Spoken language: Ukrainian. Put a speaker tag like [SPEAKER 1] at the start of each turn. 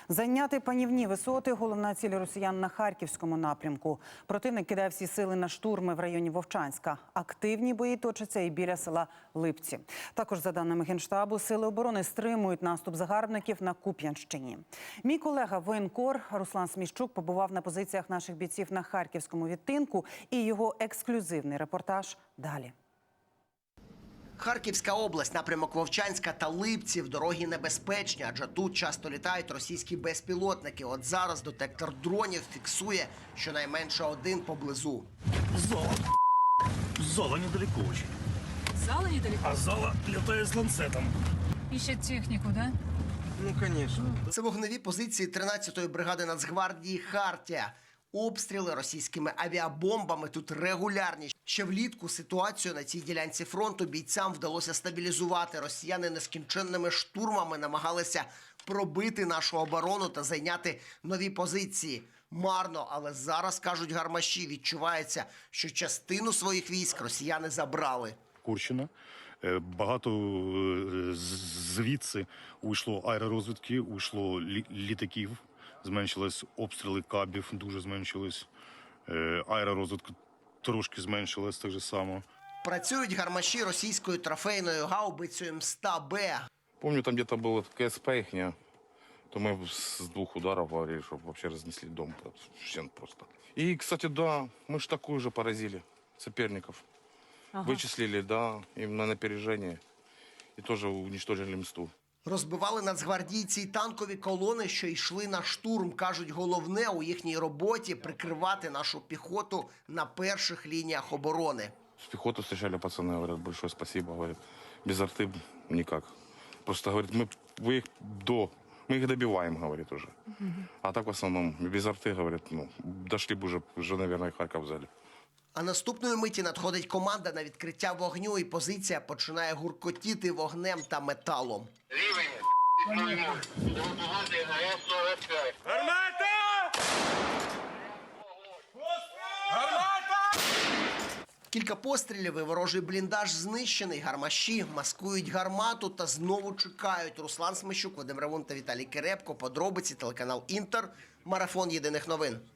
[SPEAKER 1] Зайняти панівні висоти – головна ціль росіян на Харківському напрямку. Противник кидає всі сили на штурми в районі Вовчанська. Активні бої точаться і біля села Липці. Також, за даними Генштабу, сили оборони стримують наступ загарбників на Куп'янщині. Мій колега воєнкор Руслан Сміщук побував на позиціях наших бійців на Харківському відтинку, і його ексклюзивний репортаж далі.
[SPEAKER 2] Харківська область, напрямок Вовчанська та Липців. Дороги небезпечні, адже тут часто літають російські безпілотники. От зараз детектор дронів фіксує щонайменше один поблизу.
[SPEAKER 3] Зала. Зала недалеко очень.
[SPEAKER 4] Зала недалеко?
[SPEAKER 3] А зала летает с ланцетом.
[SPEAKER 4] Ищет технику, да?
[SPEAKER 3] Ну, конечно.
[SPEAKER 2] Це вогневі позиції 13-ї бригади Нацгвардії «Хартія». Обстріли російськими авіабомбами тут регулярні. Ще влітку ситуацію на цій ділянці фронту бійцям вдалося стабілізувати. Росіяни нескінченними штурмами намагалися пробити нашу оборону та зайняти нові позиції. Марно, але зараз, кажуть гармаші, відчувається, що частину своїх військ росіяни забрали.
[SPEAKER 5] Курщина. Багато звідси уйшло аеророзвідки, уйшло літаків, зменшились обстріли кабів, дуже зменшились. Аеророзвідка трошки зменшилась так же само.
[SPEAKER 2] Працюють гармаші російською трофейною гаубицею М100Б.
[SPEAKER 6] Помню, там где-то было КСП ихня, то мы с 2 ударов говорили, чтобы вообще разнесли дом. Всем просто. И, кстати, да, мы же такую же поразили соперников. Вычислили, да, им на опережение. И тоже уничтожили мсту.
[SPEAKER 2] Розбивали нацгвардійці й танкові колони, що йшли на штурм. Кажуть, головне у їхній роботі – прикривати нашу піхоту на перших лініях оборони.
[SPEAKER 6] С пехоты встречали пацаны, говорят, большое спасибо, говорят. Без арты никак. Просто, говорит, мы их добиваем, говорит, уже. А так в основном без арты, говорит, дошли бы уже, наверное, Харьков взяли.
[SPEAKER 2] А наступної миті надходить команда на відкриття вогню, і позиція починає гуркотіти вогнем та металом.
[SPEAKER 3] Гармата! Гармата!
[SPEAKER 2] Кілька пострілів і ворожий бліндаж знищений. Гармаші маскують гармату та знову чекають. Руслан Сміщук, Вадим Ревун та Віталій Кирепко. Подробиці, телеканал «Інтер». Марафон єдиних новин.